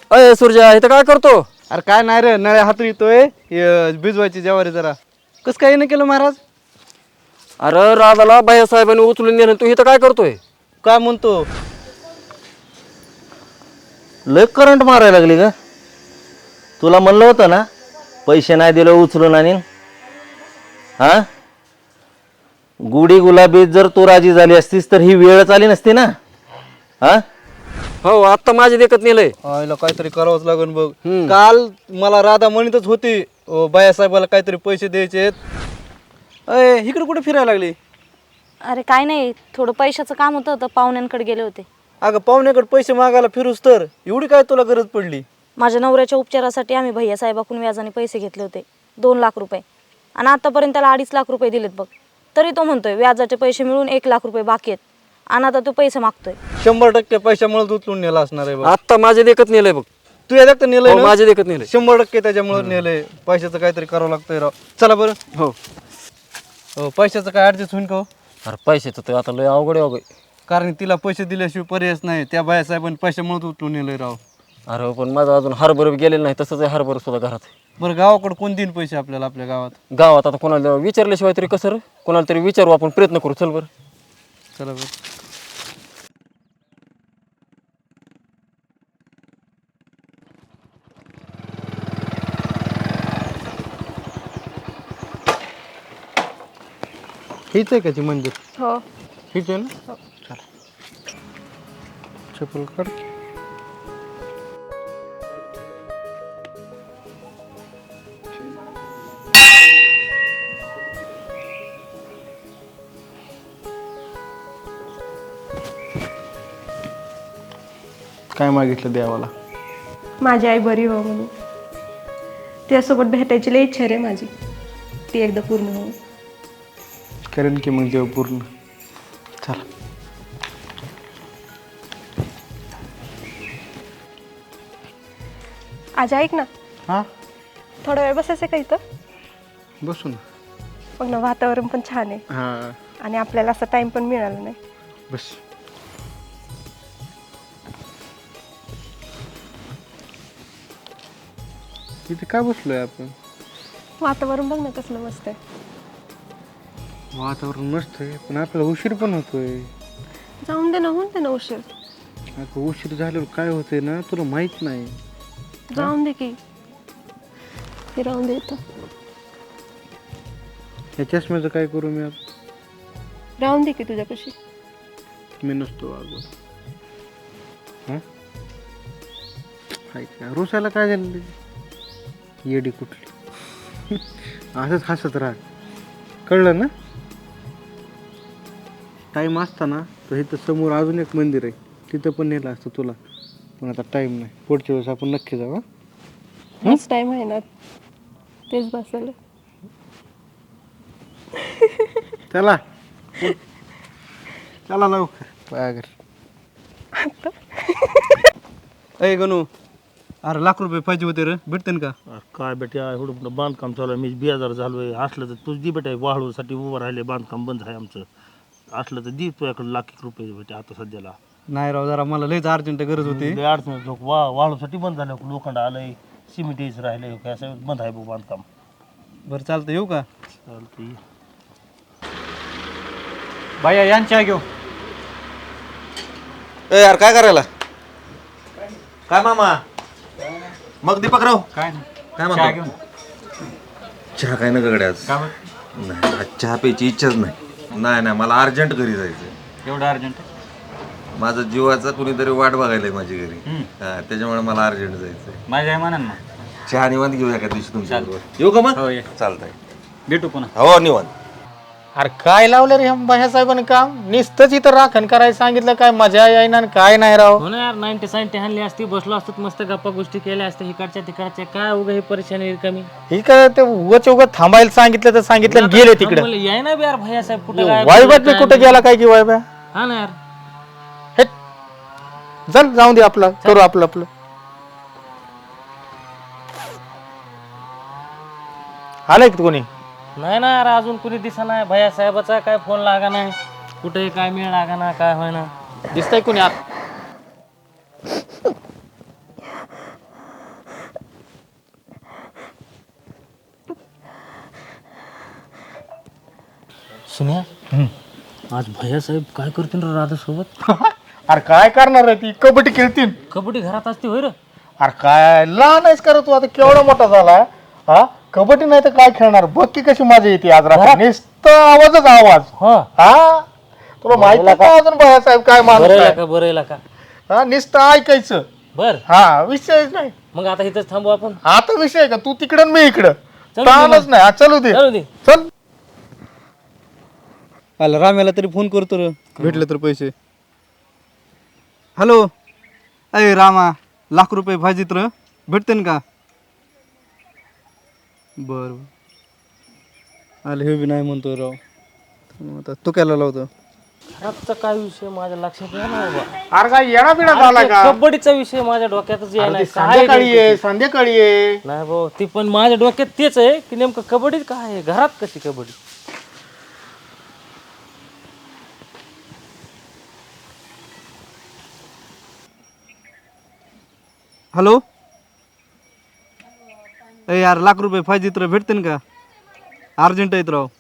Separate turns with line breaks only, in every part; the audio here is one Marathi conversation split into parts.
अय सूर्या इथं काय करतो?
अरे काय नाही रे, नळ्या हातू येतोय भिजवायची ज्वारी जरा. कस काय नाही केलं महाराज?
अरे राजाला बायासाहेबांनी उचलून नेलं, तू इथं काय करतोय?
काय म्हणतो?
लय करंट मारायला लागली का? तुला म्हणलं होतं ना पैसे नाही दिले उचलून आणि हा गुढी गुलाबी जर तू राजी झाली असतीस तर ही वेळच आली नसती ना. हा
हो आत्ता माझे देखत नेलंय.
आईला काहीतरी करावंच लागेल बघ. काल मला राधा म्हणतच होती बायासाहेबाला काहीतरी पैसे द्यायचे. अय इकडे कुठे फिरायला लागली?
अरे काय नाही, थोडं पैशाचं काम होतं तर पाहुण्यांकडे गेले होते.
अगं पाहुण्याकडे पैसे मागायला फिरूस तर एवढी काय तुला गरज पडली?
माझ्या नवऱ्याच्या उपचारासाठी आम्ही भैयासाहेबाकडून व्याजाने पैसे घेतले होते 2 लाख रुपये, आणि आतापर्यंत त्याला 2.5 लाख रुपये दिलेत बघ. तरी तो म्हणतोय व्याजाचे पैसे मिळून 1 लाख रुपये बाकी आहेत, आणि आता तो पैसे मागतोय.
100% पैशामुळे उचलून नेला असणार आहे बघ.
आत्ता माझे देखत नेलंय बघ.
तू या तर नेलंय
हो,
ना?
माझे देखत नेलंय.
100% त्याच्यामुळे नेलंय. पैशाचं काहीतरी करावं लागतंय राव. चला बरं.
हो
पैशाचं काय ऍडजस्ट होईन का हो?
अरे पैशाचं तर आता लय अवघड आहे अवघड.
कारण तिला पैसे दिल्याशिवाय पर्यायच नाही. त्या बायासाहेबांनी पैशामुळे उचलून नेलंय राव.
अरे पण माझं अजून हरभर गेलेलं नाही, तसंच आहे हरभर सुद्धा घरात आहे.
बरं गावाकडे कोण देईन पैसे आपल्याला आपल्या गावात?
गावात आता कोणाला विचारल्याशिवाय तरी कसं रे? कोणाला तरी विचारू, आपण प्रयत्न करू. चल बरं.
चला बरं. हेच आहे का ते मंदिर?
हो.
हेच आहे ना? चला चप्पल काढ. काय मागितलं देवाला?
माझी आई बरी हो म्हणून. त्यासोबत भेटायची लई इच्छा रे माझी, ती एकदा पूर्ण हो.
करेन की मग देव पूर्ण. चला.
आज ऐक ना,
हां
थोडा वेळ बसायचं का इथं?
बसू ना.
बघ ना, वातावरण पण छान आहे
हां
आणि आपल्याला असा टाइम पण मिळाला नाही.
बस. इथे काय बसलोय आपण?
वातावरण बघ ना कसलं मस्त आहे.
वातावरण मस्त आहे पण आपल्याला उशीर पण होतोय.
जाऊन दे ना, होऊन दे ना उशीर.
अगं उशीर झाल्यावर काय होतंय ना तुला माहित नाही.
जाऊन दे की, हे राहून दे इथं.
या चष्म्याचं काय करू मी आता?
राहून दे की तुझ्यापाशी.
मी नसतो अगं. हां काय रुसायला काय झालं? येडी कुठली. असंच हसत राहा, कळलं ना? टाईम असता ना तर इथं समोर अजून एक मंदिर आहे, तिथं पण नेलं असतं तुला, पण आता टाईम नाही. पुढच्या वेळेस आपण नक्की जाऊ.
हाच टाइम आहे ना, तेच बसायला.
चला चला लवकर पायागर. अय गणू, अरे ₹1,00,000 पाहिजे होते रे, भेटते का?
काय बेटा एवढं मोठं बांधकाम चालू आहे, मी बेजार झालोय. असलं तर तुझ दी बेटा, वाळूसाठी उभं राहिले, बांधकाम बंद आहे आमचं. असलं तर दी तुझ्याकडे ₹1,00,000 बेटा आता सध्याला.
नाही राव, जरा मला लयच अर्जंट गरज होती.
लय अडचण लोक वाळूसाठी बंद झालं, लोखंड आलंय, सिमेंट यायचं राहिलंय, काय असं बंद आहे बघ बांधकाम.
बरं चालतं, येऊ का?
चालतं.
बाया यांच्या घेऊ.
ए यार काय करायला? काय मामा? मग दीपकराव
काय नाही,
काय
चहा
म्हणतो?
घेऊन.
चहा काय नका गड्या आज.
का बरं?
नाही आज चहा प्यायची इच्छाच नाही. नाही मला अर्जंट घरी जायचं.
एवढं अर्जंट?
माझा जीवाचा कुणीतरी वाट बघायला माझी घरी. हा त्याच्यामुळे मला अर्जंट जायचंय.
माझ्या आहे म्हणा ना.
चहा निवांत घेऊया का दिवशी तुमच्या बरोबर. येऊ का मग?
हो ये,
चालतंय.
भेटू पुन्हा.
हो निवांत.
अरे काय लावलं रे ह्या साहेबांनी काम? नुसतंच इथं राखण करायला सांगितलं, काय मजा येईना काय नाही राव.
हो ना यार, 90 हाणली असती, बसलो असतो मस्त गप्पा गोष्टी केल्या असत्या इकडच्या तिकडच्या. काय उगा ही परेशानी रिकामी.
ही काय ते उगाच थांबायला सांगितलं तर सांगितलं आणि गेले तिकडे.
याय ना यार भैया साहेब कुठे
वाईबात मी कुठे गेला काय की वाईबा?
हा ना यार.
हे चल जाऊन दे, आपलं करू आपलं आपलं. आलंय का कोणी?
नाही ना यार, अजून कुणी दिसा नाही. भैया साहेबाचा काय फोन लागा नाही, कुठे काय मिळ लागा ना, काय होय ना.
दिसतंय कोणी आत?
सुन्या आज भैयासाहेब काय करतील रे राधासोबत?
अरे काय करणार आहे ती? कबड्डी खेळतील.
कबड्डी घरात असते होय रे?
अरे काय लहान आहेस का रे तू? आता केवढा मोठा झाला. हा कबड्डी नाही तर काय खेळणार? बघ की कशी मजा येते आज रात्री. नुसतं आवाजच आवाज. हा तुला माहिती आहे का अजून भैयासाहेब काय माणूस आहे?
बरं का
हा नुसतं ऐकायचं.
बर
हा विषयच नाही.
मग आता इथंच थांबू आपण.
आता विषय आहे का? तू तिकडं आणि मी इकडं.
चल
ताणच नाही. हा, चलू दे.
चल दे.
चल.
आला राम्याला तरी फोन करतो रे, भेटले तर पैसे. हॅलो, अय रामा, ₹1,00,000 पाहिजेत र, भेटते का? बरं आले हे बी नाही म्हणतो राव. आता तू काय लावतो?
घरातचा काय विषय माझ्या लक्षात नाही ना बाबा.
अरे काय येणा बिणा झाला का?
कबड्डीचा विषय माझ्या डोक्यातच येणार
अरे संध्याकाळी ये, संध्याकाळी ये.
नाही भाऊ, ती पण माझ्या डोक्यात तेच आहे की नेमकं कबड्डी काय आहे, घरात कशी कबड्डी.
हॅलो, अय यार ₹1,00,000 पाहिजेत र, भेटते का? अर्जंट आहेत राव.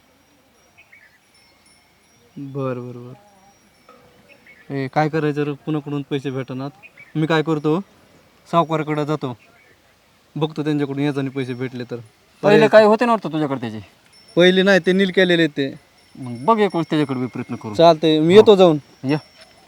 बरं बरं बरं. ए काय करायचं रे, कुणाकडून पैसे भेटणार? मी काय करतो, सावकाराकडे जातो, बघतो त्यांच्याकडून याच्याने पैसे भेटले तर.
पहिले काय होते ना वाटतं तुझ्याकडे त्याचे?
पहिले नाही, ते नील केलेले ते.
मग बघ एक वेळेस त्याच्याकडे बी प्रयत्न करू.
चालतंय, मी येतो जाऊन.
या.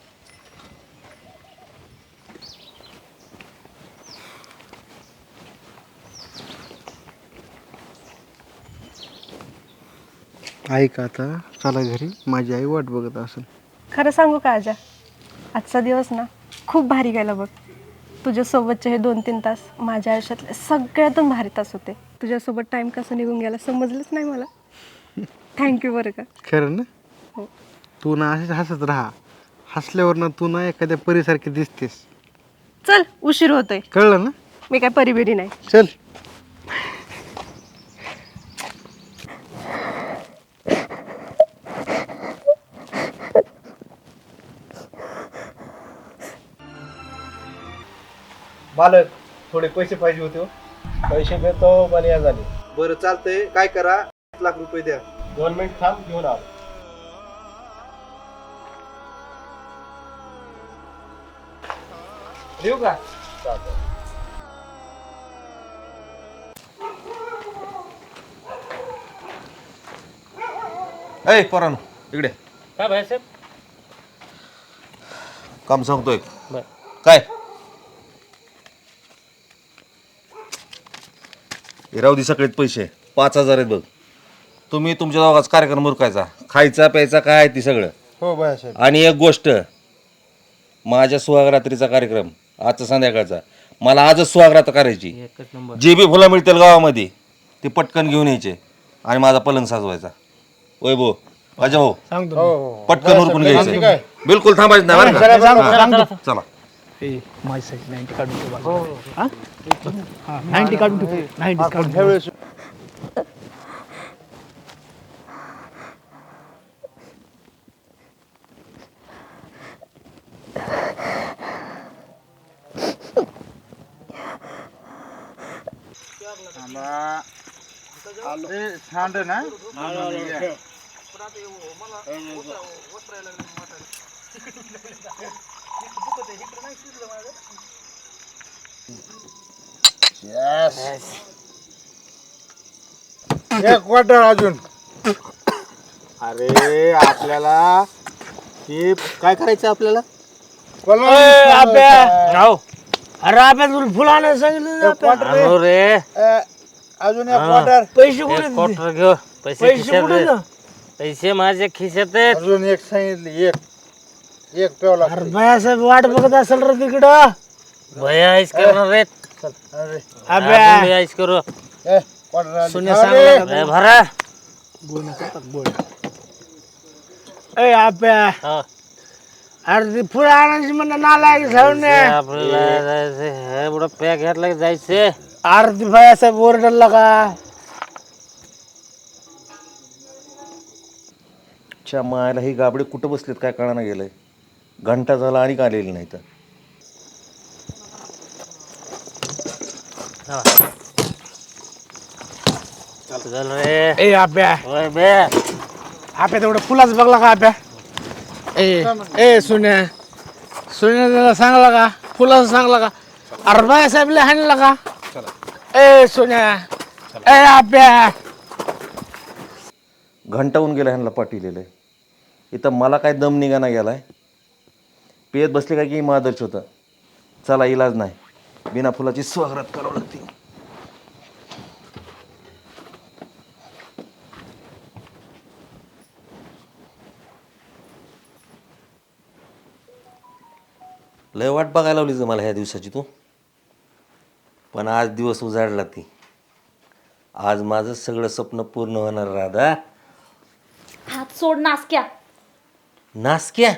ऐक आता, चला घरी, माझी आई वाट बघत असेल.
खरं सांगू का आजा, आजचा दिवस ना खूप भारी गेला बघ. तुझ्यासोबतचे हे 2-3 तास माझ्या आयुष्यातले सगळ्यातून भारी तास होते. तुझ्यासोबत टाईम कसं निघून गेला समजलंच नाही मला. थँक्यू बरं का.
खरं ना?
हो.
तू ना अशीच हसत राहा. हसल्यावर ना तू ना एखाद्या परीसारखी दिसतेस.
चल उशीर होतोय.
कळलं ना?
मी काय परिबिरी नाही.
चल. मालक, थोडे पैसे पाहिजे होते.
पैसे देतो बलिया झाले.
बरं चालतंय, काय करा, ₹1,00,000 द्या.
2 मिनिट थांब, घेऊन आलो.
देऊ का?
ऐ पोरांनो इकडे
काय भैयासाहेब?
काम सांगतोय.
बर.
काय राहू दे, सगळेच पैसे 5,000 आहेत बघ. तुम्ही तुमच्या दोघांचा कार्यक्रम उरकायचा, खायचा प्यायचा काय आहे ती सगळं.
हो बाळासाहेब.
आणि एक गोष्ट, माझ्या सुहागरात्रीचा कार्यक्रम आजचा संध्याकाळचा, मला आजच सुहागरात्र करायची.
एकच नंबर.
जे बी फुलं मिळतील गावामध्ये ते पटकन घेऊन यायचे आणि माझा पलंग साजवायचा. वय भाऊ, अजय भाऊ,
सांगतो.
पटकन उरकून घ्यायचं, बिलकुल थांबायचं नाही बरं का? चला.
एक क्वार्टर अजून. अरे आपल्याला ते काय करायचं आपल्याला?
अरे अभ्या तुला फुलानं सांगितलं रे.
अजून एक क्वार्टर.
पैसे कुठे? क्वार्टर घेऊ. पैसे खिशात आहेत. पैसे माझ्या खिशात आहेत.
अजून एक सांगितली. एक पेवला.
भैयासाहेब वाट बघत असेल रे तिकडं. भैया आईस करणार रे. अभ्या आईस करू.
सोन्या सांग
भरा.
ए आप्या. अरे ती फुलं आणायची म्हणणं नालायक जाऊन
आपल्याला जायचं एवढं पॅक घेतला की जायचं.
आरती भैयासाहेब ओरडला का?
च्या मायला ही गाबडे कुठं बसलेत काय कळाना गेलंय. घंटा झाला आणि आलेली नाही तर.
चल रे.
ए आप्या.
ओय बे. आपल्या तेवढं फुलाच बघला का आपल्या ए सुन्या त्याला सांगला का फुलाचं सांगला का अरे बाळासाहेबला हाणला का ए सुन्या ए आपल्या
घंटावून गेला ह्यांना पाठविलेलं आहे. इथं मला काय दम निघाना गेलाय. पेत बसले काय की मादर्श होतं. चला इलाज नाही, बिना फुलाची स्वागत करावं लागते. लय वाट बघायला लावलीच मला ह्या दिवसाची तू, पण आज दिवस उजाडला ती. आज माझं सगळं स्वप्न पूर्ण होणार. राधा
हात सोड नासक्या.
नासक्या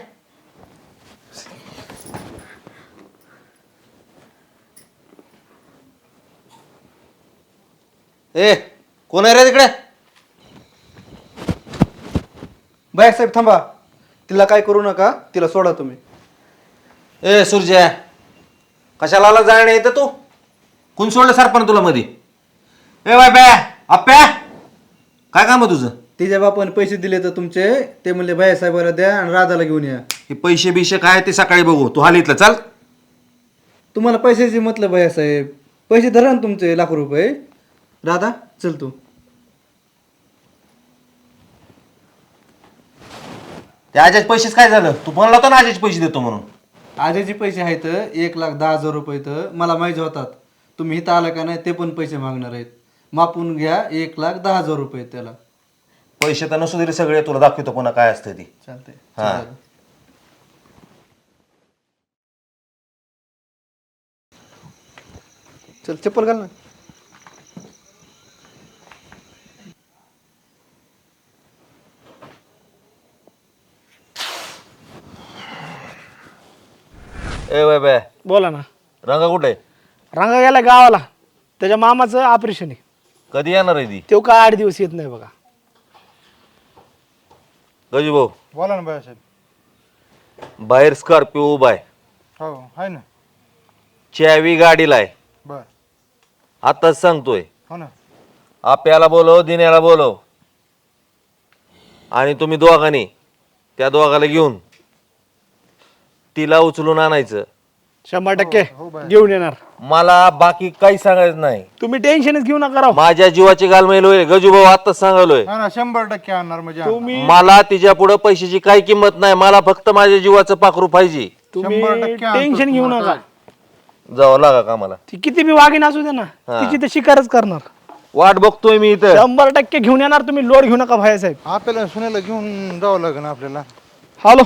ए कोण आहे रे तिकडे?
बाळासाहेब थांबा, तिला काय करू नका, तिला सोडा तुम्ही.
ए सूर्या, कशाला आला जाणे येतं तू? कोण सोडलं सरपण तुला मध्ये? ए बाय बॅ आप्या, काय काम आहे तुझं?
तिच्या बापाने पैसे दिले तर तुमचे, ते म्हणले बाळासाहेबाला द्या आणि राधाला घेऊन या.
हे पैसे बिशे काय ते सकाळी बघू. तू हाल इथलं चाल.
तुम्हाला पैशाची मतलब बाळासाहेब, पैसे धरा ना तुमचे ₹1,00,000. राधा चल तू.
त्या आजाचे पैसेच काय झालं? तू म्हणला होता ना आजाचे पैसे देतो म्हणून.
आजेचे पैसे आहेत ₹1,10,000 तर मला माहिती होतात. तुम्ही इथं आला का नाही ते पण पैसे मागणार आहेत. मापून घ्या, ₹1,10,000 त्याला.
पैसे तर नसू दिले सगळे, तुला दाखवतो पुन्हा काय असतं ती.
चालतंय.
हा.
चल चप्पल घाल ना.
ए बाय बाय,
बोला ना.
रंगा कुठे आहे?
रंगा गेला गावाला, त्याच्या मामाचं ऑपरेशन आहे.
कधी येणार आहे ती?
तो काय 8 दिवस येत नाही बघा.
गजू भाऊ,
बोला ना बाळासाहेब.
बाहेर स्कॉर्पिओ उभा आहे,
हो आहे ना.
चावी गाडीला आहे.
बर.
आताच सांगतोय.
हो ना.
आप्याला बोलव, दिन्याला बोलव, आणि तुम्ही दोघांनी त्या दोघाला घेऊन तिला उचलून आणायचं.
100% घेऊन येणार.
मला बाकी काही सांगायचं नाही.
तुम्ही टेन्शनच घेऊ नका राव.
माझ्या जीवाची गालमेल होईल. गजू भाऊ आताच सांगालोय.
हा ना 100% आणणार म्हणजे आणणार.
तुम्ही
मला तिच्या पुढे पैशाची काही किंमत नाही. मला फक्त माझ्या जीवाचं पाखरू पाहिजे.
तुम्ही
100% आणतो
टेन्शन घेऊ
तुम्हाला
नका.
जावं लागा कामाला.
ती किती बी वागीन असू दे ना,
हा.
तिची तर शिकारच करणार.
वाट बघतोय मी इथं.
100% घेऊन येणार. तुम्ही लोड घेऊ नका भाईसाहेब.
आपल्याला सुनेला घेऊन जावं लागेल आपल्याला.
हॅलो.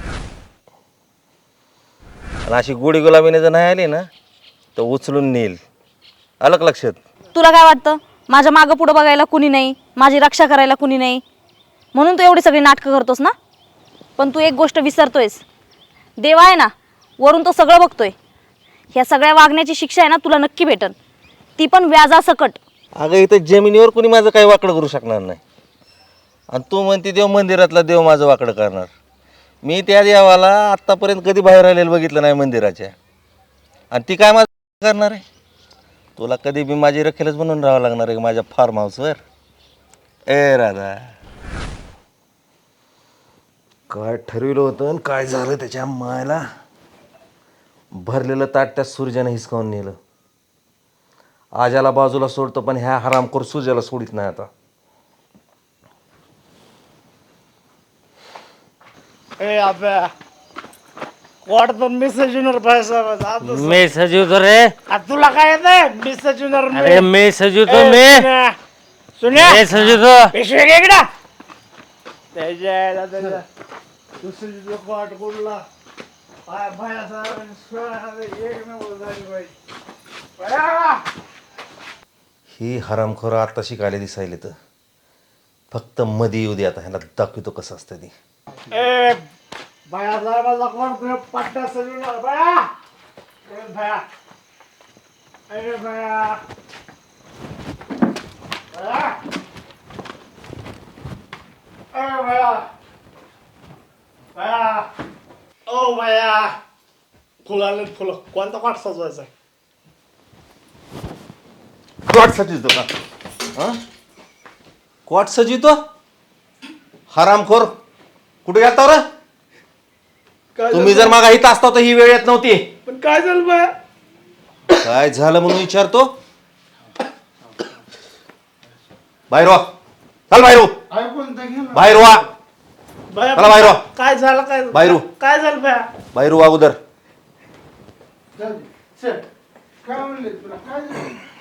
आणि अशी गोडी गुलाबीने जर नाही आली ना तर उचलून नेईल. आलं का लक्षात?
तुला काय वाटतं माझ्या मागं पुढं बघायला कुणी नाही, माझी रक्षा करायला कुणी नाही, म्हणून तू एवढी सगळी नाटकं करतोस ना? पण तू एक गोष्ट विसरतोयस. देव आहे ना, वरून तो सगळं बघतोय. ह्या सगळ्या वागण्याची शिक्षा आहे ना तुला नक्की भेटन, ती पण व्याजासकट.
अगं इथं जमिनीवर कुणी माझं काही वाकडं करू शकणार नाही. आणि तू म्हणते देव मंदिरातला देव माझं वाकडं करणार. मी त्या देवाला आत्तापर्यंत कधी बाहेर आलेलं बघितलं नाही मंदिराच्या. आणि ती काय माझं करणार आहे? तुला कधी बी माझी रखेलच म्हणून राहावं लागणार आहे माझ्या फार्म हाऊसवर. ए राधा, काय ठरविलं होतं आणि काय झालं त्याच्या मायला. भरलेलं ताट त्या सूर्याने हिसकावून नेलं. आजाला बाजूला सोडतो पण ह्या हरामखोर सूर्याला सोडित नाही आता.
ए अबे कोर्ट तर मेसेज येणार भाईसाहेब.
मी सजवतो रे.
तुला काय येतंय? मेसेज येणार.
अरे मी सजवतो. मी
सुन्या
मी सजवतो.
पिशवी घे इकडं. त्याच्या दुसरी कोर्ट कुठला
ही हरामखोर आता शिकायला दिसायले तर फक्त मध्ये येऊ दे. आता ह्याला दाखवतो कसं असतं ती.
ए बाया साहेबाला कोण तुम्ही पट्टा सजवणार बाया? ए बाया, ए बाया, बाया, ए बाया, बाया, ओ बाया, फुलं आले फुलं. कोणता कोट सजवायचा?
कॉट सजितो का? हा? कॉट सजितो? हरामखोर कुठे गेलता रे? तुम्ही जर मागा इथं असता तर ही वेळ येत नव्हती.
पण काय झालं बाया?
काय झालं म्हणून विचारतो. बाहेर वा. चल बाहेर हो. बाहेर वा. चला बाहेर वा.
काय झालं काय
बाहेर हो.
काय झालं बाया?
बाहेर वा अगोदर.
काय म्हणले तुला काय झालं?